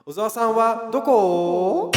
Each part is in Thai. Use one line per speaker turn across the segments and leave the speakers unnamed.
小沢さんはどこ？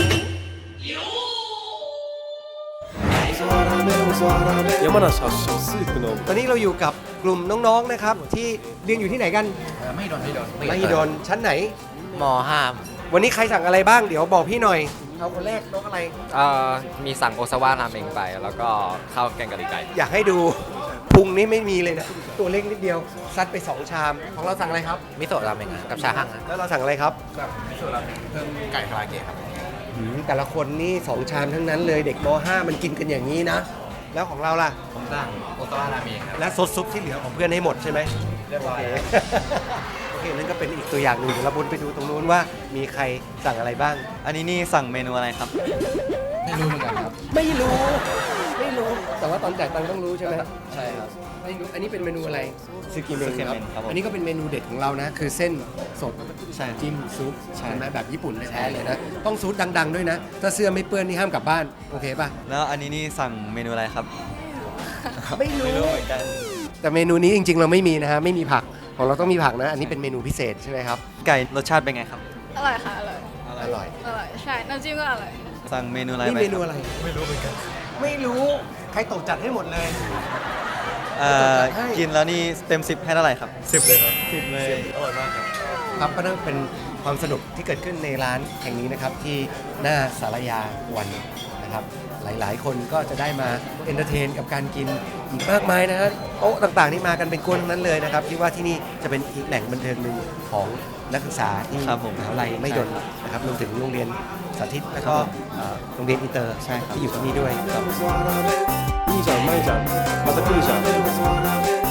山梨発祥スープのตอนนี้เราอยู่กับกลุ่มน้องๆนะครับที่เรียนอยู่ที่ไหนกันมหิดลชั้นไหน
มห้า
วันนี้ใครสั่งอะไรบ้างเดี๋ยวบอกพี่หน่อยเอาคนแรกน้องอะไร
มีสั่งโอซาวะราเมงไปแล้วก็ข้าวแกงกะหรี่ไก่
อยากให้ดูพุงนี่ไม่มีเลยนะตัวเล็กนิดเดียวซัดไป2ชามของเราสั่งอะไรครับ
มิโซะราเมงกับชาฮั่ง
แล้วเราสั่งอะไรครับ
มิโซะราเมงเพิ่มไก่คาราเกะครับ
แต่ละคนนี่2ชามทั้งนั้นเลยเด็กม.5 มันกินกันอย่างนี้นะ แล้วของเราล่ะ
ผมสั่งโอซาวะราเมงครับ
และซดซุปที่เหลือของเพื่อนให้หมดใช่ไหม
เรียบร้อย
โอเคนั่นก็เป็นอีกตัวอย่างหนึ่งเดี๋ยวเราบนไปดูตรงนู้นว่ามีใครสั่งอะไรบ้าง
อันนี้นี่สั่งเมนูอะไรครับ
ไม่รู้เหมือนกันครับ
ไม่รู้แต่ว่าตอนจ่ายตังค์ต้องรู้ใช่ไหม
ใช่ครับ
ไม่รู้อันนี้เป็นเมนูอะไรซึกิเมน
ซึกิเมนครับผม
อันนี้ก็เป็นเมนูเด็ดของเรานะ คือเส้นสด
ใช่
จิ้มซุป
ใช่
ใช่ไหมแบบญี่ปุ่นแท้ๆเลยนะต้องซูดดังๆด้วยนะ ถ้าเสื้อไม่เปื้อนนี่ห้ามกลับบ้านโอเคป่ะ
แล้วอันนี้นี่สั่งเมนูอะไรครับ
ไม่รู้
ไม่รู้เหมือนกัน
แต่เมนูนี้จริงๆเราไม่มีนะฮะไม่มีผักของเราต้องมีผักนะ อันนี้เป็นเมนูพิเศษใช่ไหมครับ
ไก่รสชาติเป็นไงครับ
อร่อยค่ะ อร่อย
อร่อย
อร่อย ใช่ น้ำจิ้มก็อร่อย
สั่งเมนูอะไร
นี่
ไป
เม
ค
นู
รับ
อะไรไม่รู้เหมือนกันไม่รู้ใครตกจัดให้หมดเลย ให้
กินแล้วนี่เต็ม 10 ให้เท่าไหร่ครับ 10 เลยครับ 10 เลย
อร่อยมากครับก็นั่นเป็นความสนุกที่เกิดขึ้นในร้านแห่งนี้นะครับที่หน้าสารยาวันนะครับหลายๆ คนก็จะได้มาเอนเตอร์เทนกับการกินอีกมากมายนะฮะโต๊ะต่างๆนี่มากันเป็นกวนทั้งนั้นเลยนะครับคิดว่าที่นี่จะเป็นอีกแหล่งบันเทิงหนึ่งของนักศึกษาที่
ครับผม
มหาวิทยาลัยไม่ดนนะครับรวมถึงโรงเรียนสาธิตแล้วก็
ครับผม
โรงเรียนอินเตอร์
ใช่ครับ
ที่อยู่ที่นี่ด้วย
いいじゃんうまいじゃんまた来るじゃん